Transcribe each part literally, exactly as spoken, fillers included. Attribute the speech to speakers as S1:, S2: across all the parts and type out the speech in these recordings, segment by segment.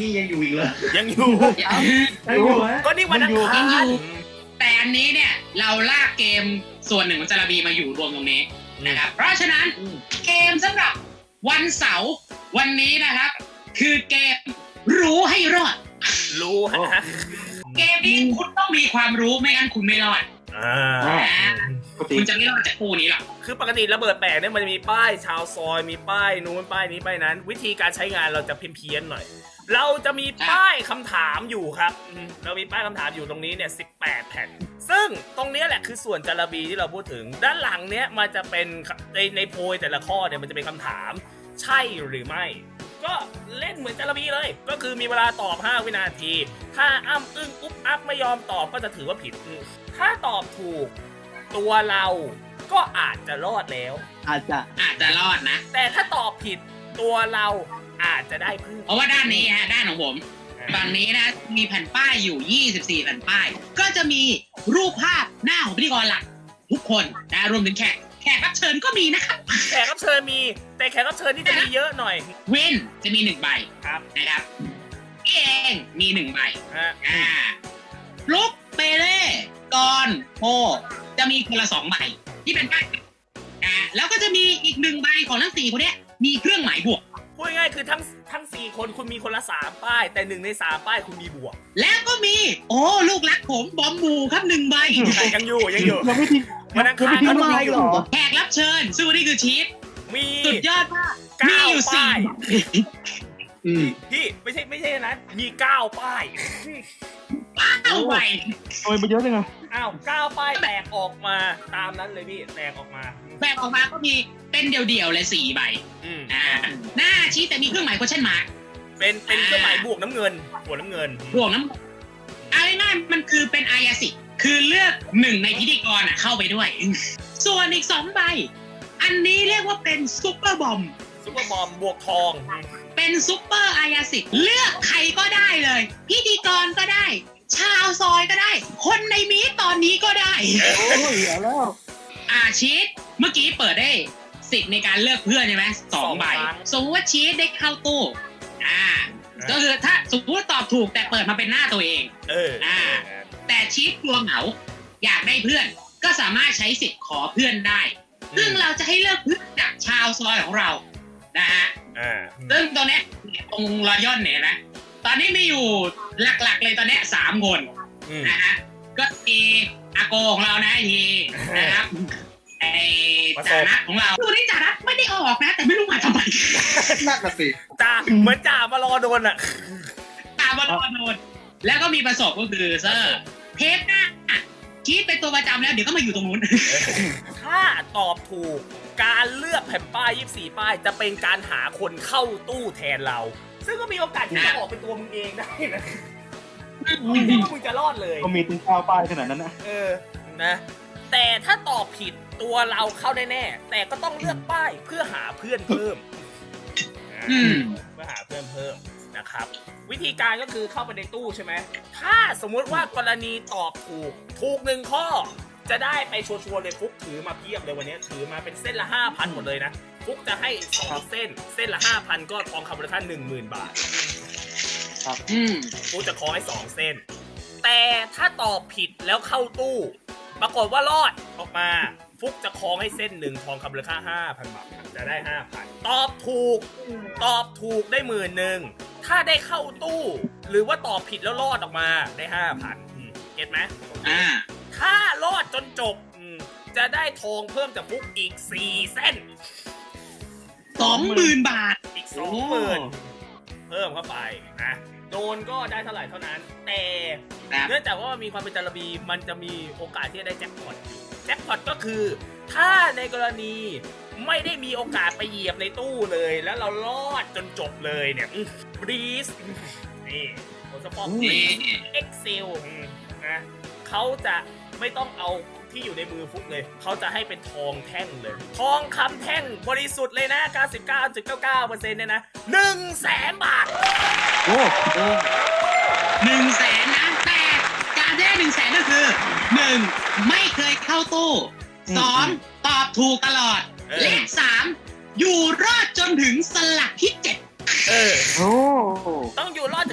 S1: นี่ยังอยู่อีกเหรอ
S2: ยังอยู่
S1: ยังอยู่ฮะ
S2: ก็นี่วันอังคาร
S3: แต่อันนี้เนี่ยเราลากเกมส่วนหนึ่งของจาระบีมาอยู่รวมตรงนี้นะครับเพราะฉะนั้นเกมสำหรับวันเสาร์วันนี้นะครับคือเกมรู้ให้รอด
S2: รู้ฮะ
S3: เกมนี้คุณต้องมีความรู้ไม่งั้นคุณไม่รอด
S2: อ่า
S3: คุณจะไม่รอดจากคู่นี้หรอก
S2: คือปกติระเบิดแปลกเนี่ยมันจะมีป้ายชาวซอยมีป้ายนู้นป้ายนี้ป้ายนั้น วิธีการใช้งานเราจะเพี้ยนๆหน่อย เราจะมีป้ายคำถามอยู่ครับอืมเรามีป้ายคำถามอยู่ตรงนี้เนี่ยสิบแปดแผ่นซึ่งตรงนี้แหละคือส่วนจาระบีที่เราพูดถึงด้านหลังเนี้ยมันจะเป็นในในโพยแต่ละข้อเนี่ยมันจะเป็นคำถามใช่หรือไม่ ก็เล่นเหมือนจาระบีเลย ก็คือมีเวลาตอบห้าวินาที ถ้าอ้ำอึ้งอุ๊บอัพไม่ยอมตอบก็จะถือว่าผิด ถ้าตอบถูกตัวเราก็อาจจะรอดแล้ว
S1: อาจจะ
S3: อาจจะรอดนะ
S2: แต่ถ้าตอบผิดตัวเราอาจจะได้พึ่ง
S3: เพราะว่าด้านนี้ฮะด้านของผมฝั่งนี้นะมีแผ่นป้ายอยู่ยี่สิบสี่แผ่นป้ายก็จะมีรูปภาพหน้าของพิธีกรหลักทุกคนนะรวมถึงแขกแขกรับเชิญก็มีนะครับ
S2: แขกรับเชิญมีแต่แขกรับเชิญนี่จะมีเยอะหน่อย
S3: เว้นจะมีหนึ่งใบ
S2: ครับ
S3: นะครับพี่เองมีหนึ่งใบ
S2: ฮะ
S3: อ่าลุกเปเล่กอนโพจะมีคนละสองใบที่เป็นป้ายอ่าแล้วก็จะมีอีกหนึ่งใบของทั้งสี่คนเนี้ยมีเครื่องหมายบวก
S2: พูดง่ายๆคือทั้งทั้งสี่คนคุณมีคนละสามป้าย แต่หนึ่งในสามป้ายคุณมีบวก
S3: แล้วก็มีโอ้ลูกรักผมบอมบูครับหนึ่งใบ
S2: แต่ยังอยู่ยังอยู่
S1: ยังไม่ทิ้ง
S2: วันอังคาร
S1: ยัง
S2: ก็
S1: ไม่
S2: ต้
S1: ทิ้
S2: อง
S1: ง
S2: มี
S1: ไลน์เหรอ
S3: แขกรับเชิญซึ่งวันนี้คือชีฟ
S2: มี
S3: สุดยอดมากมี
S2: เก้า
S3: อยู่สี่
S2: ป้าย
S1: อืม
S2: พี่ไม่ใช่ไม่ใช่นะมีเก้าป้าย
S3: เอาใบ
S1: ทำไมมันเยอะจังอะ
S2: อ้าวเก้าป้ายแตกออกมาตามนั้นเลยพี่แตกออกมา
S3: แบบออกมาก็มีเป็นเดี่ยวๆเลยสี่ใบ
S2: อืม
S3: อ่าหน้าชีฟแต่มีเครื่องหมาย question mark
S2: เป็นเป็นเครื่องหมายบวกน้ำเงินบวกน้ำเงิน
S3: บวกน้ำเอาง่ายๆมันคือเป็นอายาสิทธิ์คือเลือกหนึ่งในพิธีกรอ่ะเข้าไปด้วย ส่วนอีกสองใบ อันนี้เรียกว่าเป็นซุปเปอร์บอม
S2: ซุปเปอร์บอมบวกทอง
S3: เป็นซุปเปอร์อายาสิทธิ์เลือกใครก็ได้เลย พิธีกรก็ได้ ชาวซอยก็ได้ คนในมีตอนนี้ก็ได้
S1: โอ้ยเอาแล้ว
S3: อาชีตเมื่อกี้เปิดได้สิทธิ์ในการเลือกเพื่อนใช่ไหมสองใบสมมติว่าชีตได้เข้าตู้อ่าก็คือถ้าสมมติว่าตอบถูกแต่เปิดมาเป็นหน้าตัวเอง
S2: เออ
S3: อ่า แต่ชีตกลัวเหงาอยากได้เพื่อน ก็สามารถใช้สิทธิ์ขอเพื่อนได้ ซึ่งเราจะให้เลือกเพื่อนจากชาวซอยของเรานะฮะ
S2: อ่า
S3: ซึ่งตรงเนี้ยตรงรอยย่อนเนี่ยนะตอนนี้มีอยู่หลักๆเลยตอนเนี้ยสามคน
S2: อืม
S3: นะฮะก็มีอาโกของเรานะไอทีนะครับไอจารัตของเราตัวนี้จารัตไม่ได้ออกนะ แต่ไม่รู้มาทำไม
S1: น่ากระสิ
S2: จ่าเหมือนจ่ามารอโดนอ่ะ
S3: ตามมาโดนโดนแล้วก็มีประสบก็คือเซอร์เทปหน้าชีดเป็นตัวประจำแล้วเดี๋ยวก็มาอยู่ตรงนู้น
S2: ถ้าตอบถูกการเลือกแผ่นป้ายยี่สิบสี่ป้ายจะเป็นการหาคนเข้าตู้แทนเรา ซึ่งก็มีโอกาสที่จะออกเป็นตัวมึงเองได้นะไม่คิดว่ามึงจะรอดเลย
S1: ก็มีตึงข้าวป้ายขนาดนั้นนะ
S2: เออ นะ แต่ถ้าตอบผิดตัวเราเข้าแน่ๆแต่ก็ต้องเลือกป้ายเพื่อหาเพื่อนเพิ่ม
S3: อืม
S2: เพื่อหาเพื่อนเพิ่มนะครับ วิธีการก็คือเข้าไปในตู้ใช่ไหม ถ้าสมมุติว่ากรณีตอบถูก ถูกหนึ่งข้อ จะได้ไปชัวร์ๆเลยฟุกถือมาเพียบเลยวันนี้ถือมาเป็นเส้นละ ห้าพัน หมดเลยนะ ฟุกจะให้สองเส้น เส้นละ ห้าพัน ก็ทองคำมูลค่า หนึ่งหมื่น บาท
S3: อืม
S2: ฟุกจะขอให้สองเส้น แต่ถ้าตอบผิดแล้วเข้าตู้ ปรากฏว่ารอดออกมา ฟุกจะคล้องให้เส้นหนึ่งทองคำมูลค่า ห้าพัน บาท จะได้ ห้าพัน ตอบถูก ตอบถูกได้หมื่นหนึ่ง ถ้าได้เข้าตู้ หรือว่าตอบผิดแล้วรอดออกมาได้ ห้าพัน เก็ตไหม
S3: อ่า
S2: ถ้ารอดจนจบอืมจะได้ทองเพิ่มจากฟุกอีกสี่เส้น
S3: สองหมื่นบาท
S2: อีกสองหมื่นเพิ่มเข้าไปนะโดนก็ได้เท่าไหร่เท่านั้น แต่
S3: ครับ
S2: เนื่องจากว่ามันมีความเป็นจารบีมันจะมีโอกาสที่จะได้แจ็คพอตอยู่แจ็คพอตก็คือ ถ้าในกรณีไม่ได้มีโอกาสไปเหยียบในตู้เลย แล้วเรารอดจนจบเลยเนี่ยบรีสนี่โอสปอร์ต
S3: นี่
S2: เอ็กเซลนะเขาจะไม่ต้องเอาที่อยู่ในมือฟุกเลย เขาจะให้เป็นทองแท่งเลย ทองคำแท่งบริสุทธิ์เลยนะ เก้าสิบเก้าจุดเก้าเก้าเปอร์เซ็นต์ เนี่ยนะ หนึ่งแสนบาท
S1: โอ้โห
S3: หนึ่งแสนนะ แต่การได้หนึ่งแสนก็คือหนึ่งไม่เคยเข้าตู้สองตอบถูกตลอด
S2: เออ
S3: และสามอยู่รอดจนถึงสลักที่เจ็ด
S2: เออ
S1: โอ้
S2: ต้องอยู่รอดถึง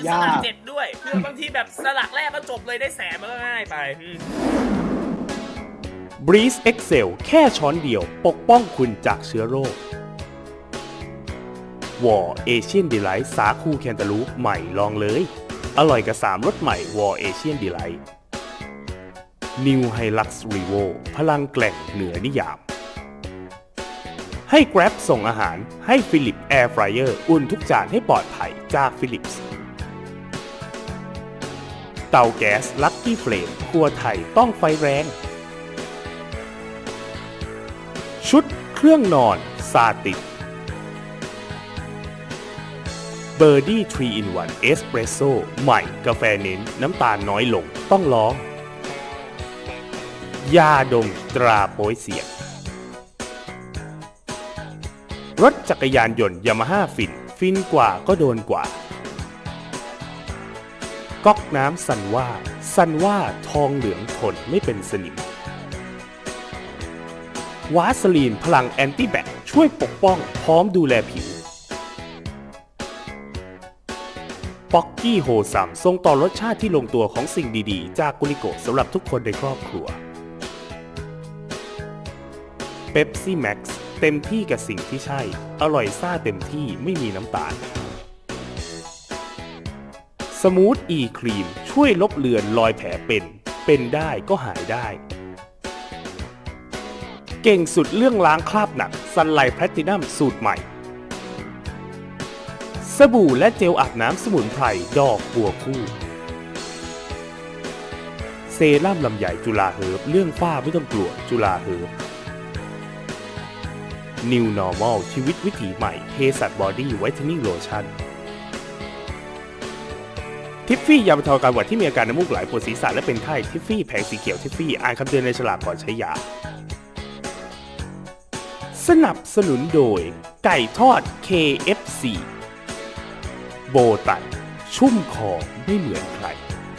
S2: สลักเจ็ดด้วยคือบางทีแบบสลักแรกก็จบเลยได้แสนมันก็ง่ายไป
S4: Breeze Excel แค่ช้อนเดียวปกป้องคุณจากเชื้อโรควอร์เอเชียนดีไลท์สาคูแคนตาลูปใหม่ลองเลยอร่อยกับสามรสใหม่วอร์เอเชียนดีไลท์ New Hilux Revo พลังแกร่งเหนือนิยามให้ Grab ส่งอาหารให้ Philips Air Fryer อุ่นทุกจานให้ปลอดภัยจาก Philips เตาแก๊ส Lucky Flame ครัวไทยต้องไฟแรงชุดเครื่องนอนซาตินเบอร์ดี้ทรี in วัน เอสเปรสโซ่ใหม่กาแฟเน้นน้ำตาลน้อยลงต้องลองยาดมตราโป๊ยเสียงรถจักรยานยนต์ยามาฮ่าฟินฟินกว่าก็โดนกว่าก๊อกน้ำซันว่าซันว่าทองเหลืองทนไม่เป็นสนิมวาสลีนพลังแอนตี้แบคช่วยปกป้องพร้อมดูแลผิวป๊อกกี้โฮซัมส่งต่อรสชาติที่ลงตัวของสิ่งดีๆจากกุลิโกสำหรับทุกคนในครอบครัวเป๊ปซี่แม็กซ์เต็มที่กับสิ่งที่ใช่อร่อยซ่าเต็มที่ไม่มีน้ำตาลสมูทอีครีมช่วยลบเลือนรอยแผลเป็นเป็นได้ก็หายได้เก่งสุดเรื่องล้างคราบหนักซันไลท์แพลตินัมสูตรใหม่สบู่และเจลอาบน้ำสมุนไพรดอกบัวคู่เซรั่มลำใหญ่จุฬาเฮิร์บเรื่องฝ้าไม่ต้องกลัวจุฬาเฮิร์บ New Normal ชีวิตวิถีใหม่เภสัชบอดี้ไวท์เทนนิ่งโลชั่นทิฟฟี่ยาบรรเทาอาการหวัดที่มีอาการน้ำมูกไหลปวดศีรษะและเป็นไข้ทิฟฟี่แผงสีเขียวทิฟฟี่อ่านคำเตือนในฉลากก่อนใช้ยาสนับสนุนโดยไก่ทอด เค เอฟ ซี โบตันชุ่มคอไม่เหมือนใคร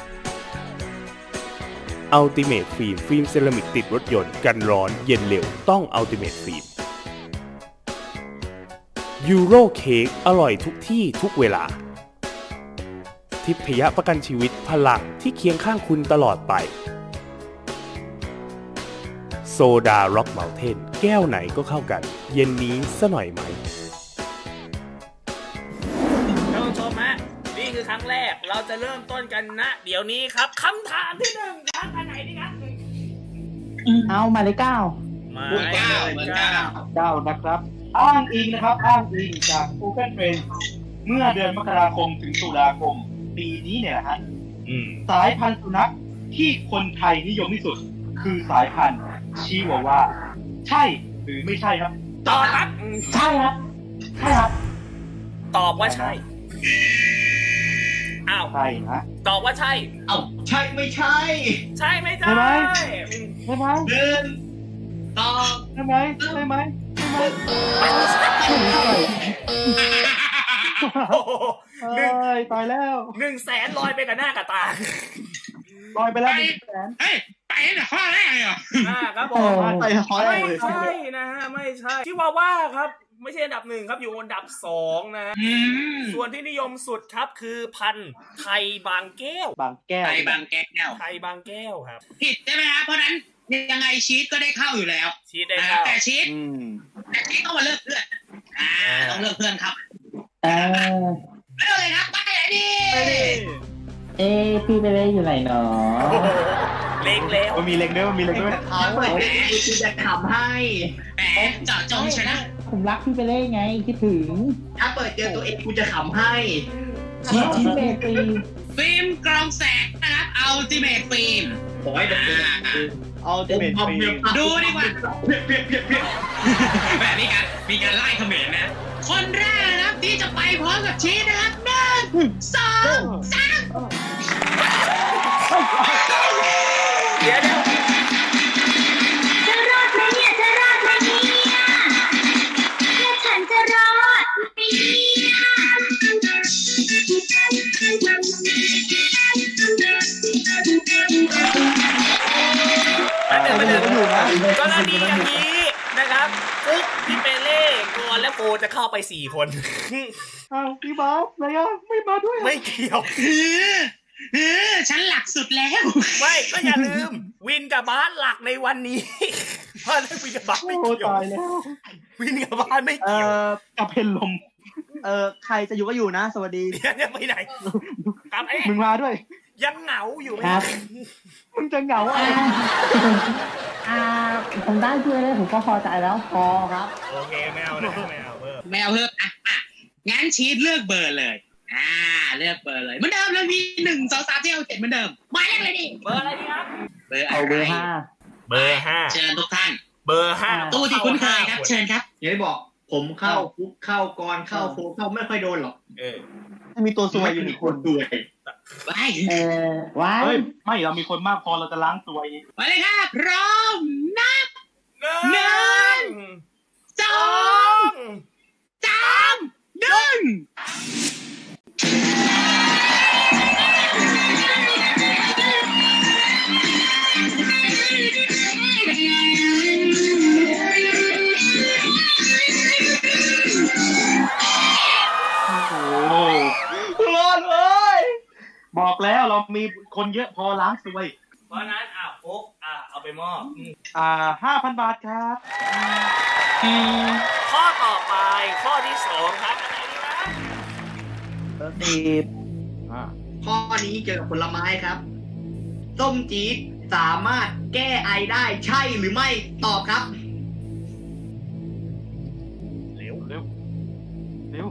S4: Ultimate ฟิล์มฟิล์มเซรามิกติดรถยนต์กันร้อนเย็นเร็วต้อง Ultimate ฟิล์มยูโรเค้กอร่อยทุกที่ทุกเวลาทิพยประกันชีวิตพลังที่เคียงข้างคุณตลอดไปโซดาร็อกเมลเทนแก้วไหนก็เข้ากันเย็นนี้ซะหน่อยไหม
S2: ท่านผู้ชมฮะนี่คือครั้งแรกเราจะเริ่มต้นกันนะเดี๋ยวนี้ครับคำถามที่หนึ่งครับอันไหนดีครับ
S5: เอามาเลยเก้า
S2: มา
S3: เหมือนเก้าเหมือนเก้า
S1: เก้านะครับอ้างอิงนะครับอ้างอิงจาก Google Trends เมื่อเดือนมกราคมถึงตุลาคมปีนี้เนี่ยนะฮะสายพันธุ์สุนัขที่คนไทยนิยมที่สุดคือสายพันธุ์ชิวาว่าใช่หรือไม่ใช่ครับ
S2: ตอบครับ
S5: ใช่ครับใช่ครับ
S2: ตอบว่าใช่อ้าว
S1: ใช่นะ
S2: ตอบว่าใช่
S3: เอ้าใช่ไม่ใช่
S2: ใช่ไหมจ๊ะ
S1: ใช่ไหม ใช่ไหม
S3: หนึ่งตอบ
S1: ใช่ไหมใช่ไหมใช่ไหม
S2: โอ้โห
S1: เอ้ยตายแล้ว
S2: หนึ่งแสนลอยไปกับหน้ากับตา
S1: ลอยไปแล้วหนึ่งแสน
S3: เฮ้ยไปตั้งแต่ข้อแรกเลยเหรอ
S2: อ่าครับผม
S1: ไปขอแร
S2: ไม่
S1: กเลย
S2: ใช่นะฮะไม่ใช่ชิวาว่าครับไม่ใช่อันดับหนึ่งครับอยู่อันดับสองนะฮะ
S3: อืม
S2: ส่วนที่นิยมสุดครับคือพันธุ์ไทยบางแก้ว
S1: บางแก้ว
S3: ไปบางแก้ว
S2: ไทยบางแก้วครับ
S3: ผิดใช่ไหมครับเพราะนั้นยังไงชีสก็ได้เข้าอยู่แล้ว
S2: ชีดได้
S3: นะ
S2: เข้า
S3: แต่ชีส
S1: อืม
S3: แต่ชีสต้องมาเลือกเพื่อนอ่าต้องเลือกเพื่อนครับ
S5: เออ
S3: เลือกเลยครับไปไหนดี
S5: เอ๊ะพี่ไปเล่นอยู่ไหนเนาะ
S2: โอ้โหเล็งแล้ว
S1: มันมีเล็งด้วยมันมีเล็งด้วย
S3: เอาแหมกูจะทำให้แหมเจาะจงชนะ
S5: ผมรักพี่ไปเล่นไงคิดถึง
S3: ถ้าเปิดเจอตัวเองกูจะขำให้
S5: ชิชิเมตี
S3: ฟิล์มกรองแสงนะครับ Ultimate ฟิล์มโอ้ยเด็ก
S1: เอาเดเมจฟรี
S3: ดูดีกว่าแบบมีการมีการไล่เขมรนะ คนแรกนะครับที่จะไปพร้อมกับชีสนะครับหนึ่งสองสาม
S2: เดี๋ยวเดี๋ยว
S6: จะรอดไหมเนี่ยจะรอดไหมเนี่ยแล้วฉันจะรอดไหมเนี่ย
S2: อันหนึ่งอันหนึ่งกรณีอย่างนี้นะครับปุ๊บพี่เปเล่กอนและโฟจะเข้าไปสี่คน
S1: อ้าวพี่บาสอะไรอ่ะไม่มาด้วย
S2: ไม่เกี่ยว
S3: เออเออฉันหลักสุดแล้ว
S2: ไม่ก็อย่าลืม วินกับบาสหลักในวันนี้ เพราะฉะนั้นวินกับบาสไม่
S1: โอ้
S2: เกี่ยว
S1: ตายแล้ว
S2: วินกับบาสไม่
S7: เอ
S2: เกี่ยว
S7: อ
S1: กับเพนลม
S7: เออใครจะอยู่ก็อยู่นะ สวัสดี
S2: เดี๋ยวเนี่ยไปไหนครับเอ๊ะ
S1: มึงมาด้วย
S2: ยังเหงาอยู่ไหม
S5: ครับ
S1: มึงจะเหงาอ่ะ
S5: อ่าอ่าผมได้ช่วยเลยผมก็พอใจแล้วพอครับ
S2: โอเคไม่เอานะไม่เอาเพิ่ม
S3: ไม่เอาเพิ่มอ่ะอ่ะงั้นชีตเลือกเบอร์เลย อ่า เลือกเบอร์เลยเหมือนเดิมเลยมีหนึ่งสองสามที่เอาเจ็ดเหมือนเดิมมาเลือกเลยดิ
S2: เบอร์อะไรดีครับ
S3: เบอร์อะ
S5: เอาเบอ
S3: ไร
S5: ร์ห้า
S2: เบอร์ห้า
S3: เชิญทุกท่าน
S2: เบอร์ห้า
S3: ตู้ที่คุ้นเคยครับ เชิญครับ
S8: อย่างที่บอกผมเข้าคุกเข้ากรเข้าโฟเข้าไม่ค่อยโดนหรอก
S2: เออ
S7: มีตัวซวยอยู่หนึ่งคน
S8: ด้วย
S3: ไป
S5: เออว้าย
S1: เฮ้ยไม่เรามีคนมากพอเราจะล้างตัวเอง
S3: ไปเลยครับพร้อมนับ
S2: หนึ่ง
S3: สอ
S2: สอง ง
S3: สามหนึ่ง
S1: โอ้
S7: รอดเลย
S1: บอกแล้วเรามีคนเยอะพอล้างซวย
S2: เพราะฉะนั้นอ่ะโฟกอ่ะเอาไปมอบอืม
S1: อ่าห้าพันบาทครับ
S2: ข้อต่อไปข้อที่สองครับอะไรดีนะ
S7: เบอร์สิบ
S8: ข้อนี้เกี่ยวกับผลไม้ครับส้มจี๊ดสามารถแก้ไอได้ใช่หรือไม่ตอบครับ
S2: เร็ว
S1: เร็วเร็ว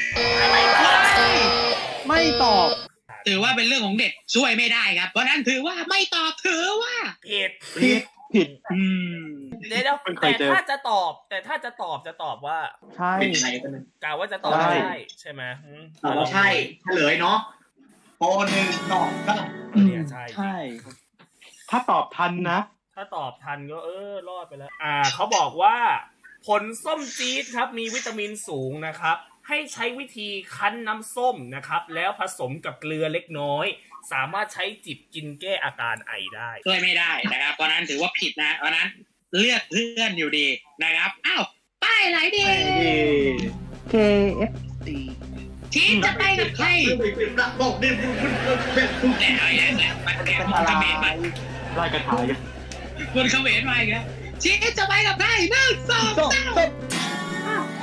S7: ไม่ตอบ
S3: ถือว่าเป็นเรื่องของเด็กช่วยไม่ได้ครับ เพราะฉะนั้นถือว่าไม่ตอบถือว่า
S2: ผิด
S7: ผิดผิด
S1: อืม
S2: เดี๋ยวๆ
S1: เพิ่งเค
S2: แต่
S1: ยเจอ
S2: ถ้าจะตอบ แต่ถ้าจะตอบจะตอบว่า
S7: ใช่
S8: เป็นไรกันนะ
S2: กล่าวว่าจะตอบ
S7: ใช่
S2: ใช่ใช่ไหมอืม
S8: ตอบใช่เฉลยเนาะโปหนึ่งสองสาม
S2: เออเนี่ยใช่
S7: ใช่
S1: ถ้าตอบทันนะ
S2: ถ้าตอบทันก็เออรอดไปแล้ว อ่าเขาบอกว่า ผลส้มจี๊ดครับมีวิตามินสูงนะครับ ให้ใช้วิธีคั้นน้ำส้มนะครับ แล้วผสมกับเกลือเล็กน้อย สามารถใช้จิบกินแก้อาการไอได้
S3: ช่วยไม่ได้นะครับ เพราะฉะนั้นถือว่าผิดนะ เพราะฉะนั้นเลือกเพื่อนอยู่ดีนะครับ อ้าวป้ายไหนดี
S7: เค เอฟ ซี
S3: ทีมจะไปกับใคร
S8: บอกดิคุณคุณเป็นคุณ
S3: แล้วอย่างแล้วมันแค่
S7: เป็น
S3: ค
S7: อะ
S3: น
S7: ไร
S3: เขมรมา
S1: ไล่กระถายกัน
S3: คนเขมรมาอีกแล้วทีมจะไปกับใครหนึ่งสอง
S7: ส้ม
S3: สาม
S7: ส้ม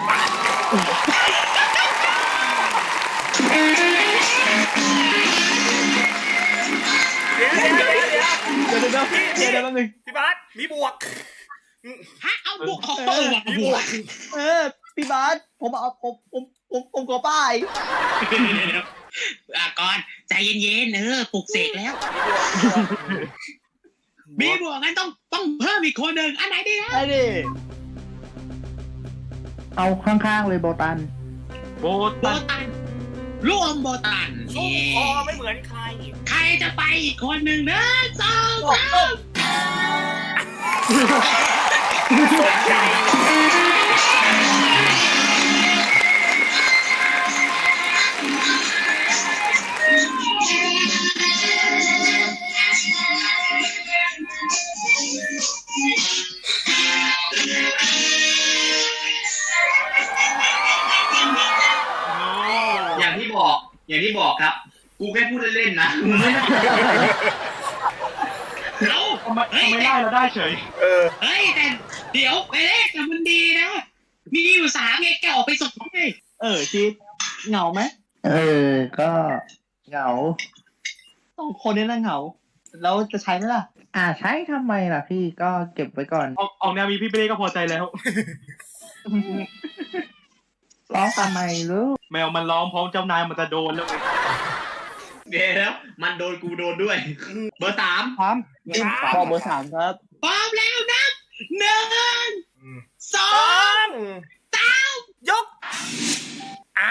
S2: เดี๋ยวเดี๋ยวเดี๋ยวเดี๋ยว
S7: เดี๋ยวเดี๋ยวเดี๋ยวเดี๋ยวเดี๋ยวแป๊บนึง
S2: พี่บาสมีบวก
S3: ฮะเอาบวกเออว่ะ
S2: มี
S3: บบ ว
S2: ว
S3: ก
S2: ก
S7: เออพี่บาสผมเอาผมผมผมผมขอป้าย
S3: อ่ะก่อนใจเย็นๆเออปลุกเสกแล้ว มีบวกงั้นต้องต้องเพิ่มอีกคนหนึ่งอันไหนดีครับ
S7: ไอ้ดิ
S5: เอาข้างๆเลยโบตัน
S1: โบ
S3: โบ
S1: ตัน
S3: ตันร่วมโบตัน
S2: ชุ่มคอไม่เหมือนใคร
S3: ใครจะไปอีกคนหนึ่งหนึ่งสองสาม
S2: สนใจว่ะ
S8: อย่างที่บอก อย่างที่บอกครับ กูแค่พูดเล่นๆนะมึงไม่ได้
S3: เอา
S1: ทำไม
S3: เฮ้ย
S1: ทำไมไล่เราได้เฉย
S2: เออ
S3: เฮ้ยแต่เดี๋ยวไปเลขแต่มันดีนะ มีอยู่สามไงแกออกไปส่งไง
S7: เออชีดเหงาไหม
S5: เออ ก็เหงา
S7: ต้องคนนี้น่าเหงา แล้วจะใช้ไหมล่ะ
S5: อ่าใช้ทำไมล่ะพี่ก็เก็บไว้ก่อน
S1: ออกออกแนวมีพี่เบ้ก็พอใจแล้ว
S5: ร้องทำไมลูก
S1: แมวมันร้องพร้อมเจ้านายมันจะโดนแล้วไง
S8: เดี๋ยวแล้วมันโดนกูโดนด้วย เบอร์สาม
S7: ถามบอกเบอร์สามครับ
S3: พร้อมแล้วนับหนึ่งสอ
S2: สอง ง
S3: สาม
S2: ยกอ้าว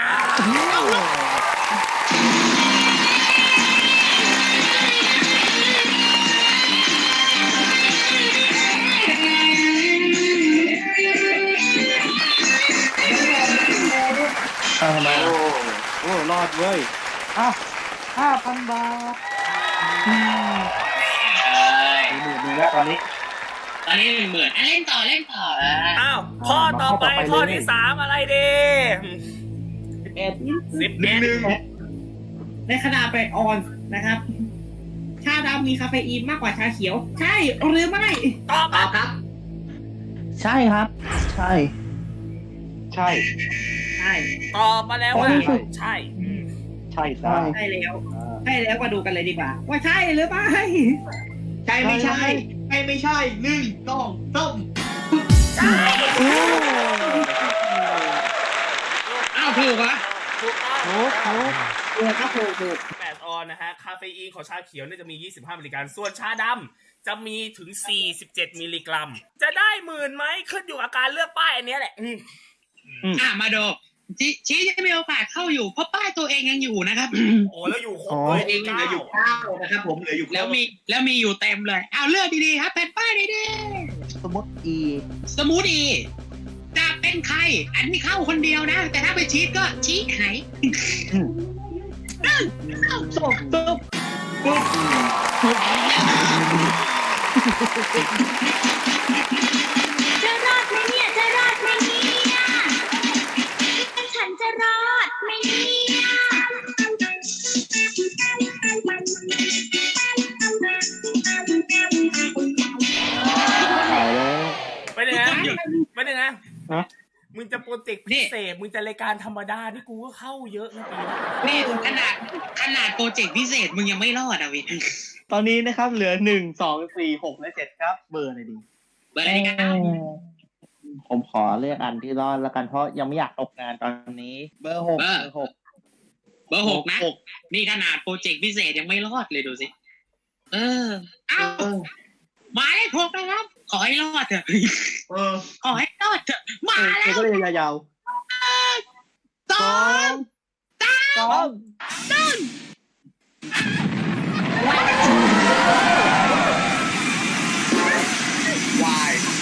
S5: เอาทำไม
S1: โอ้
S5: ล่ะ
S7: โอ้รอดเว้ยอ่ะห้าพันบาท
S3: เอ้ย
S7: หมื่นหนึ่งแล้วตอนนี้
S3: ตอนนี้หนึ่งหมื่นอ่ะเล่นต่อเล่นต่ออ่ะ
S2: อ้าวข้อต่อไปข้อที่สามอะไรดี
S1: พ
S7: เอ็ด
S2: สิบ
S8: หนึ่งหนึ่ง
S9: ในขณะเป็ดออนนะครับ ชาดำมีคาเฟอีนมากกว่าชาเขียว ใช่หรือไม่
S2: ตอบ
S8: ตอบครับ
S7: ใช่ครับ ใช่
S1: ใช่
S9: ใช่
S2: ตอบมาแล้วว่า
S1: ใช่
S2: ใช่
S1: ใช่จ้า
S9: ใช่แล้วใช่แล้วมาดูกันเลยดีกว่า ว่าใช่หรือไม่
S8: ใช่ไม่ใช่ใช่ไม่ใช่หนึ่งสองสาม
S3: อ้าวถูกเหรอ
S2: ถูกต้อง
S7: โอ้โห
S9: เออครับถูกถูก
S2: แปดออนนะฮะ คาเฟอีนของชาเขียวเนี่ยจะมี ยี่สิบห้า มิลลิกรัม ส่วนชาดำจะมีถึง สี่สิบเจ็ด มิลลิกรัม จะได้หมื่นไหมขึ้นอยู่กับการเลือกป้ายอันเนี้ยแหละ อืม
S3: อ่ะมาดูชี้ชี้จะมีโอกาสเข้าอยู่เพราะป้ายตัวเองยังอยู่นะครับ
S2: โอ้แล้วอยู่ครบ
S7: อ๋อ
S2: เลย
S8: เองเหลืออยู่เก้านะครับผมเหลืออยู่
S3: แล้วมีแล้วมีอยู่เต็มเลยเอาเลือกดีๆครับแผ่นป้ายดี
S7: สมมติ E
S3: ๆสมูทดีจะเป็นใคร อันนี้เข้าคนเดียวนะ แต่ถ้าไปชี้ก็ชี้หาย
S7: จบจบ
S6: จะรอดไหมเนี่ยจะรอดไหมเนี่ยฉันจะรอดไหมเนี่ย
S7: ขายแล้ว
S2: ไปเลยนะไปเลยนะ
S7: ฮะ
S2: มึงจะโปรเจกต์พิเศษ มึงจะรายการธรรมดาที่กูก็เข้าเยอะนะปีนี้
S3: นี่ขนาดขนาดโปรเจกต์พิเศษมึงยังไม่รอดอ่ะวิน
S7: ตอนนี้นะครับเหลือหนึ่งสองสี่หกและเจ็ดครับ เบอร์อะไรดี
S3: เบอร์อะไรดีครับ
S7: ผมขอเลือกอันที่รอดแล้วกันเพราะยังไม่อยากตกงานตอนนี้ เบอร์หกเบอร์หก
S3: เบอร์หกนะนี่ขนาดโปรเจกต์พิเศษยังไม่รอดเลยดูสิเออเอ้าหมายเลขหกนะครับ ขอให้รอดเถอะ
S8: เออ
S3: ขอให้รอดเถอะมา
S7: เออ
S3: แล้ว
S7: ก็เลยยาว
S3: สอง
S7: ๆสอง
S8: วาย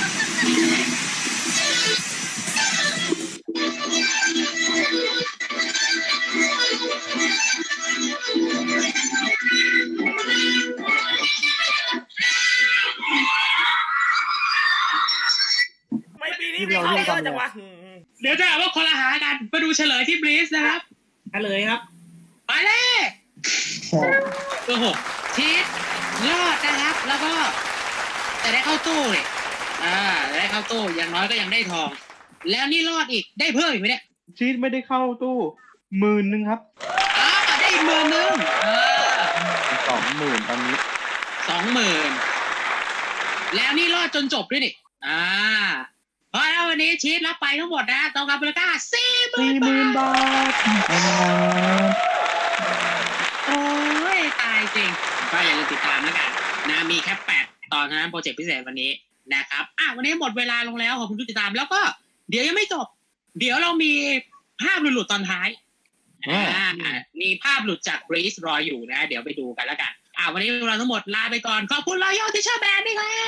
S2: ไม่ปีนี้ไม่เข้าเยอะจังวะอืม
S3: เดี๋ยวจะหาว่าคนละหากันมาดูเฉลยที่บลีสนะครับ
S9: กันเลยครับ
S3: ไปเลยเบอร์หกชีสรอดนะครับ แล้วก็แต่ได้เข้าตู้เลยอ่าได้เข้าตู้อย่างน้อยก็ยังได้ทอง แล้วนี่รอดอีกได้เพิ่มอีกไหมเนี่ย
S1: ชีสไม่ได้เข้าตู้หมื่นหนึ่งครับ
S3: อ่าได้อีกหมื่นหนึ่งเออ
S7: สองหมื่นตอนนี้
S3: สองหมื่นแล้วนี่รอดจนจบด้วยนี่อ่าเพราะแล้ววันนี้ชีสรับไปทั้งหมดนะตองกับมูลค่าสี่หมื่
S7: สี่
S3: น
S7: หมื่น
S3: บาท
S7: บาท
S3: โอ้ยตายจริงก็อย่าลืมติดตามแล้วกันนะมีแค่แปดตอนเท่านั้นโปรเจกต์พิเศษวันนี้นะครับอ่ะวันนี้หมดเวลาลงแล้วขอบคุณทุกติดตามแล้วก็เดี๋ยวยังไม่จบ เดี๋ยวเรามีภาพหลุดๆตอนท้ายอ่ามีภาพหลุดจากบรีสรออยู่นะ เดี๋ยวไปดูกันแล้วกันอ่ะวันนี้เราทั้งหมดลาไปก่อนขอบคุณรอยย่อที่เชื่อแบนด์ด้วยครับ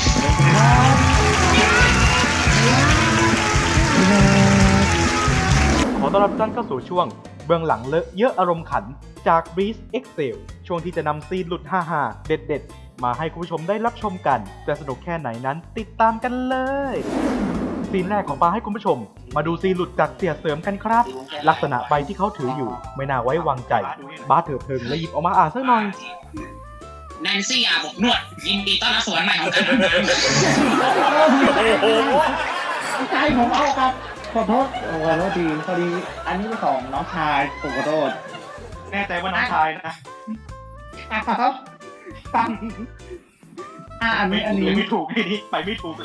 S10: ขอต้อนรับทุกท่านเข้าสู่ช่วงเบื้องหลังเลอะเยอะอารมณ์ขันจาก Breeze Excel ช่วงที่จะนำซีนหลุดฮ่าๆเด็ดๆ มาให้คุณผู้ชมได้รับชมกัน จะสนุกแค่ไหนนั้นติดตามกันเลย ซีนแรกของปาให้คุณผู้ชม มาดูซีนหลุดจากเสียเสริมกันครับ ลักษณะใบที่เขาถืออยู่ไม่น่าไว้วางใจบ้าเถิดเทิงและหยิบออกมาอ่านสักหน่อย
S3: แนนซี่อาบอบนวดยินดีต้อนรับสวนใหม่ของเธอ
S7: ใจผมเอาครับ ขอโทษโอ้ขอโทษทีพอดีอันนี้เป็นของน้องชายผมขอโทษ
S1: แน่ใจว่าน้องชายนะ
S7: ครับอ่ะอัน
S1: ไม่
S7: นี้อัน
S1: ถู
S7: นี้
S1: กไม่ถูกไอ้นี่ไปไม่ถูกเลย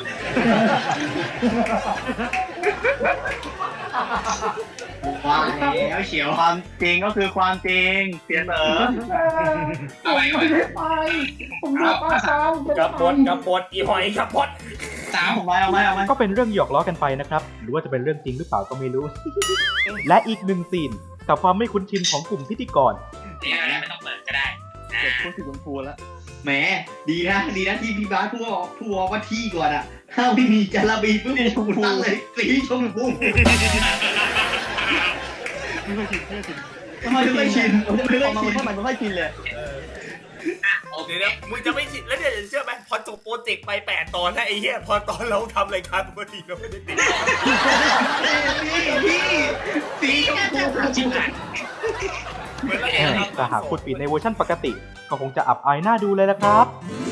S8: ว่าแล้วเฉียว
S1: ความจริงก็คือความจริงเสียเสริม
S3: เอาไว้ก่อน
S7: ไปผมอยากมาซ้ำ
S2: กับบดกับบดอีหอยกับบด
S3: สาม
S1: เอาไว้เอาไว้เอาไว้
S10: ก็เป็นเรื่องหยอกล้อกันไปนะครับ หรือว่าจะเป็นเรื่องจริงหรือเปล่าก็ไม่รู้ และอีกหนึ่งซีนกับความไม่คุ้นชินของกลุ่มพิธีกร
S3: เดี๋ยวนะไม่ต้องเปิดก็ได้นะ
S7: เก็บพูดถึงคุณครูแล้ว
S8: แหมดีนะดีนะที่พี่บาสพูดพูดว่าที่ก่อนอ่ะถ้าไม่มีจาระบีปุ๊บผมตั้งเลยสีชมพูทำไมไม่ชินไม่
S7: พอมา
S8: ชิน
S7: เมื่อมันไม่ค่อยกินเลย
S2: โอเคเดี๋ยวมึงจะไม่ชินแล้วเดี๋ยวจะเชื่อไหมพอจบโปรเจกต์ไปแปดตอนนะไอ้เหี้ยพอตอนเราทำรายการปกติเราไม่ได้ติด
S8: พี่สีชมพู
S3: ชิบหาย
S2: เหมือนเราเองครับ
S10: แต่หากคุณปิดในเวอร์ชั่นปกติ ก็คงจะอับอายหน้าดูเลยละครับ